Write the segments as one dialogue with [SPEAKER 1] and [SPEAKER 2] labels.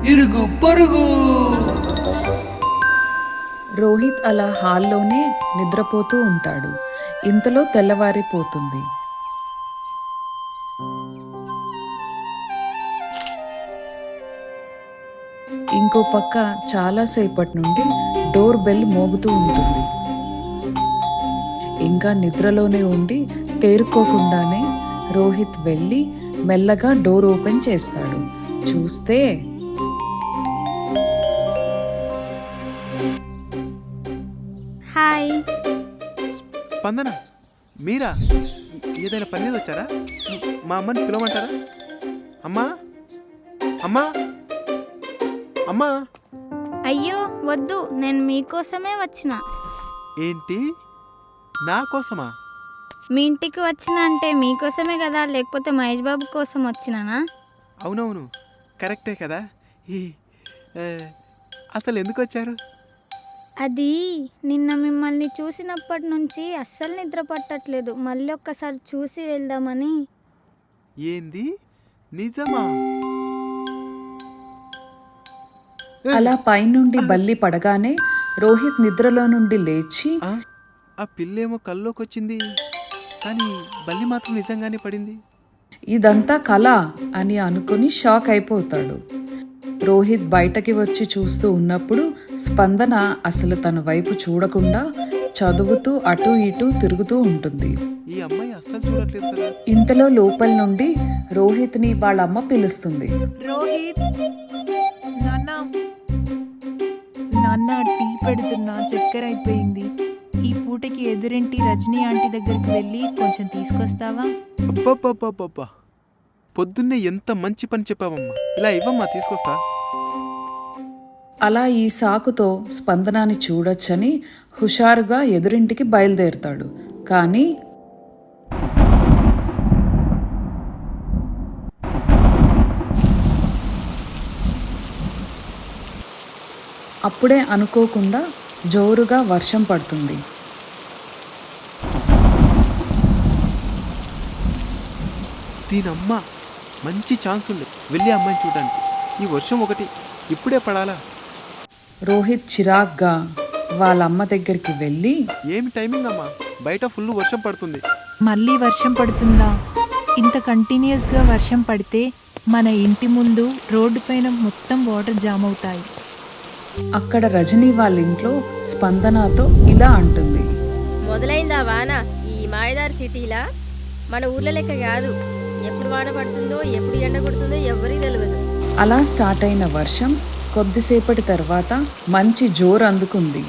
[SPEAKER 1] ఇరుగు పొరుగు.
[SPEAKER 2] రోహిత్ అలా హాల్లోనే నిద్రపోతూ ఉంటాడు. ఇంతలో తెల్లవారిపోతుంది. ఇంకో పక్క చాలాసేపటి నుండి డోర్ బెల్ మోగుతూ ఉంటుంది. ఇంకా నిద్రలోనే ఉండి తేరుకోకుండానే రోహిత్ వెళ్ళి మెల్లగా డోర్ ఓపెన్ చేస్తాడు. చూస్తే
[SPEAKER 3] హాయ్.
[SPEAKER 4] స్పందన, మీరా? ఏదైనా పని మీద వచ్చారా? మా అమ్మని పిలవమంటారా? అమ్మా, అమ్మా, అమ్మా.
[SPEAKER 3] అయ్యో వద్దు, నేను మీకోసమే వచ్చిన.
[SPEAKER 4] ఏంటి, నా కోసమా?
[SPEAKER 3] మీ ఇంటికి వచ్చిన అంటే మీకోసమే కదా, లేకపోతే మహేష్ బాబు కోసం వచ్చినానా?
[SPEAKER 4] అవునవును, కరెక్టే కదా. అసలు ఎందుకు వచ్చారు?
[SPEAKER 3] అది నిన్న మిమ్మల్ని చూసినప్పటి నుంచి అస్సలు నిద్ర పట్టట్లేదు. మళ్ళీ ఒక్కసారి చూసి వెళ్దామని.
[SPEAKER 4] ఏంది, నిజమా?
[SPEAKER 2] అలా పైనుండి బల్లి పడగానే రోహిత్ నిద్రలో నుండి లేచి
[SPEAKER 4] ఆ పిల్లేమో కల్లోకి వచ్చింది, కానీ బల్లి మాత్రం నిజంగానే పడింది.
[SPEAKER 2] ఇదంతా కళ అని అనుకుని షాక్ అయిపోతాడు. రోహిత్ బయటకి వచ్చి చూస్తూ ఉన్నప్పుడు స్పందన అసలు తన వైపు చూడకుండా చదువుతూ అటు ఇటు తిరుగుతూ ఉంటుంది.
[SPEAKER 4] ఈ అమ్మాయి అస్సలు చూడట్లేదు కదా.
[SPEAKER 2] ఇంతలో లోపల నుండి రోహిత్ని వాళ్ళమ్మ పిలుస్తుంది.
[SPEAKER 5] రోహిత్, నాన్న టీ పెడుతున్నా, చక్కెర అయిపోయింది. ఈ పూటకి ఎదురింటి రజనీ ఆంటీ దగ్గరికి వెళ్ళి కొంచెం తీసుకొస్తావా?
[SPEAKER 4] అబ్బబ్బబ్బబ్బబ్బా, పొద్దున్నే ఎంత మంచి పని చెప్పావమ్మా. ఇలా ఇవ్వమ్మా, తీసుకొస్తా.
[SPEAKER 2] అలా ఈ సాకుతో స్పందనాన్ని చూడొచ్చని హుషారుగా ఎదురింటికి బయలుదేరుతాడు. కానీ అప్పుడే అనుకోకుండా జోరుగా వర్షం పడుతుంది.
[SPEAKER 4] దీనమ్మ, మంచి ఛాన్స్ ఉంది వెళ్ళి అమ్మాయిని చూడడానికి. ఈ వర్షం ఒకటి ఇప్పుడే పడాలా?
[SPEAKER 2] రోహిత్ చిరాగ్గా వాళ్ళమ్మ దగ్గరికి వెళ్ళి,
[SPEAKER 4] ఏమి టైమింగ్ అమ్మా, బయట ఫుల్ వర్షం పడుతుంది.
[SPEAKER 5] మళ్ళీ వర్షం పడుతుందా? ఇంత కంటిన్యూస్గా వర్షం పడితే మన ఇంటి ముందు రోడ్డు పైన మొత్తం వాటర్ జామ్ అవుతాయి.
[SPEAKER 2] అక్కడ రజనీ వాళ్ళ ఇంట్లో స్పందనతో ఇలా అంటుంది.
[SPEAKER 6] మొదలైందా వాన ఈ మాయదారి సిటీలా? మన ఊర్ల లెక్క కాదు, ఎప్పుడు వాన పడుతుందో ఎప్పుడు ఎండ కొడుతుందో ఎవరికి తెలియదు.
[SPEAKER 2] అలా స్టార్ట్ అయిన వర్షం కొద్దిసేపటి తర్వాత మంచి జోరు అందుకుంది.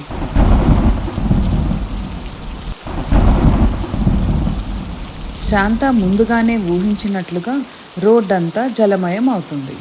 [SPEAKER 2] శాంత ముందుగానే ఊహించినట్లుగా రోడ్డంతా జలమయం అవుతుంది.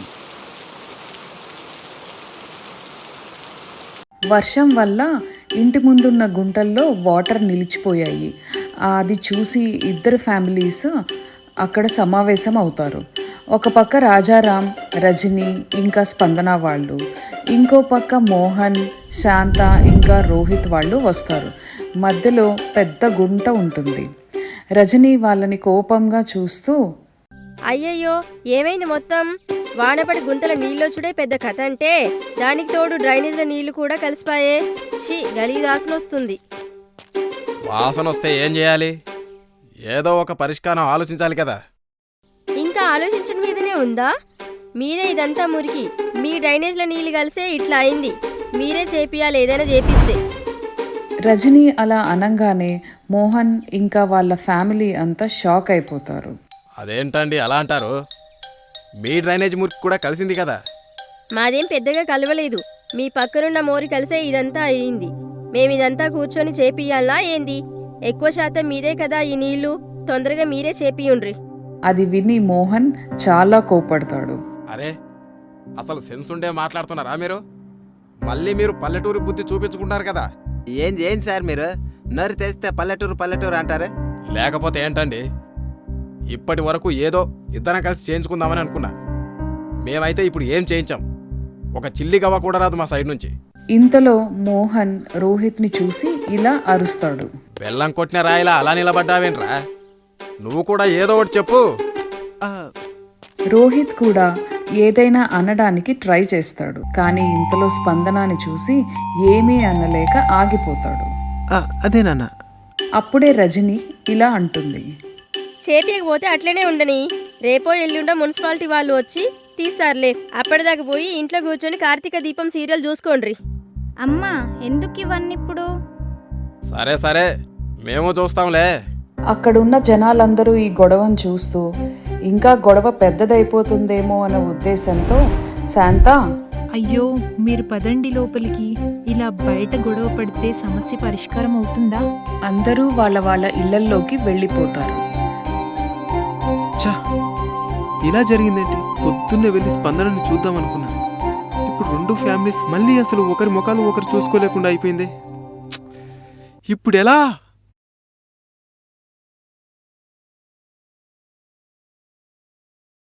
[SPEAKER 2] వర్షం వల్ల ఇంటి ముందున్న గుంటల్లో వాటర్ నిలిచిపోయాయి. అది చూసి ఇద్దరు ఫ్యామిలీస్ అక్కడ సమావేశం అవుతారు. ఒక పక్క రాజారాం, రజని ఇంకా స్పందన వాళ్ళు, ఇంకో పక్క మోహన్, శాంత ఇంకా రోహిత్ వాళ్ళు వస్తారు. మధ్యలో పెద్ద గుంట ఉంటుంది. రజని వాళ్ళని కోపంగా చూస్తూ,
[SPEAKER 6] అయ్యయ్యో ఏమైంది, మొత్తం వానపడి గుంతల నీళ్ళు చూడే పెద్ద కథ అంటే, దానికి తోడు డ్రైనేజ్ల నీళ్లు కూడా కలిసిపాయే. ఛీ, గలీజ్ వాసన వస్తుంది.
[SPEAKER 7] వాసన వస్తే ఏం చేయాలి? ఏదో ఒక పరిష్కారం ఆలోచించాలి కదా.
[SPEAKER 6] ఇంకా ఆలోచించడం మీదనే ఉందా? మీరే ఇదంతా మురికి, మీ డ్రైనేజ్ల నీళ్ళు కలిసే ఇట్లా అయింది. మీరే చేపియాలి, ఏదైనా చేపిస్తే.
[SPEAKER 2] రజని అలా అనంగానే మోహన్ ఇంకా వాళ్ళ ఫ్యామిలీ అంతా షాక్ అయిపోతారు.
[SPEAKER 7] అదేంటండి అలా అంటారు? మీ డ్రైనేజ్ మురికి కూడా కలిసింది కదా.
[SPEAKER 6] మాదేం పెద్దగా కలవలేదు, మీ పక్కనున్న మోరి కలిసే ఇదంతా అయింది. మేమిదంతా కూర్చొని చేపియాలా ఏంది? ఎక్కువ శాతం మీదే కదా ఈ నీళ్లు, తొందరగా మీరే చేపియుండ్రి.
[SPEAKER 2] అది విని మోహన్ చాలా కోపడతాడు.
[SPEAKER 7] అరే, అసలు సెన్స్ ఉండే మాట్లాడుతున్నారా మీరు? మళ్ళీ మీరు పల్లెటూరు బుద్ధి చూపించుకుంటారు కదా.
[SPEAKER 8] ఏం సార్ మీరు నోరు తెస్తే పల్లెటూరు అంటారు?
[SPEAKER 7] లేకపోతే ఏంటండి, ఇప్పటి వరకు ఏదో ఇద్దరం కలిసి చేయించుకుందామని అనుకున్నా. మేమైతే ఇప్పుడు ఏం చేయించాం? ఒక చిల్లి గవ్వ కూడా రాదు మా సైడ్ నుంచి.
[SPEAKER 2] ఇంతలో మోహన్ రోహిత్ని చూసి ఇలా అరుస్తాడు.
[SPEAKER 7] బెల్లం కొట్టిన రాయిలా అలా నిలబడ్డావేంట్రా? నువ్వు కూడా ఏదో ఒకటి చెప్పు.
[SPEAKER 2] రోహిత్ కూడా ఏదైనా అనడానికి ట్రై చేస్తాడు. కానీ ఇంతలో స్పందనాన్ని చూసి ఏమీ అనలేక ఆగిపోతాడు.
[SPEAKER 4] అదే నాన్న.
[SPEAKER 2] అప్పుడే రజని ఇలా అంటుంది.
[SPEAKER 6] చేపియకపోతే అట్లనే ఉండని. రేపో ఎల్లుండో మున్సిపాలిటీ వాళ్ళు వచ్చి తీస్తారులే. అప్పటిదాకా పోయి ఇంట్లో కూర్చొని కార్తీక దీపం సీరియల్ చూసుకోండ్రి.
[SPEAKER 3] అమ్మా ఎందుకు ఇవన్నీ ఇప్పుడు?
[SPEAKER 7] సరే సరే, మేము చూస్తాంలే.
[SPEAKER 2] అక్కడున్న జనాలందరూ ఈ గొడవను చూస్తూ ఇంకా గొడవ పెద్దదైపోతుందేమో అనే ఉద్దేశంతో శాంత,
[SPEAKER 5] అయ్యో మీరు పదండి లోపలికి. ఇలా బయట గొడవ పడితే సమస్య పరిష్కారం అవుతుందా?
[SPEAKER 2] అందరూ వాళ్ళ వాళ్ళ ఇళ్లల్లోకి వెళ్ళిపోతారు.
[SPEAKER 4] ఛా, ఇలా జరిగిందేంటి? పొద్దున్నే వెళ్ళి స్పందనని చూద్దాం అనుకున్నా. ఇప్పుడు 2 ఫ్యామిలీస్ మళ్ళీ అసలు ఒకరి ముఖాలు ఒకరు చూసుకోలేకుండా అయిపోయింది. ఇప్పుడు ఎలా?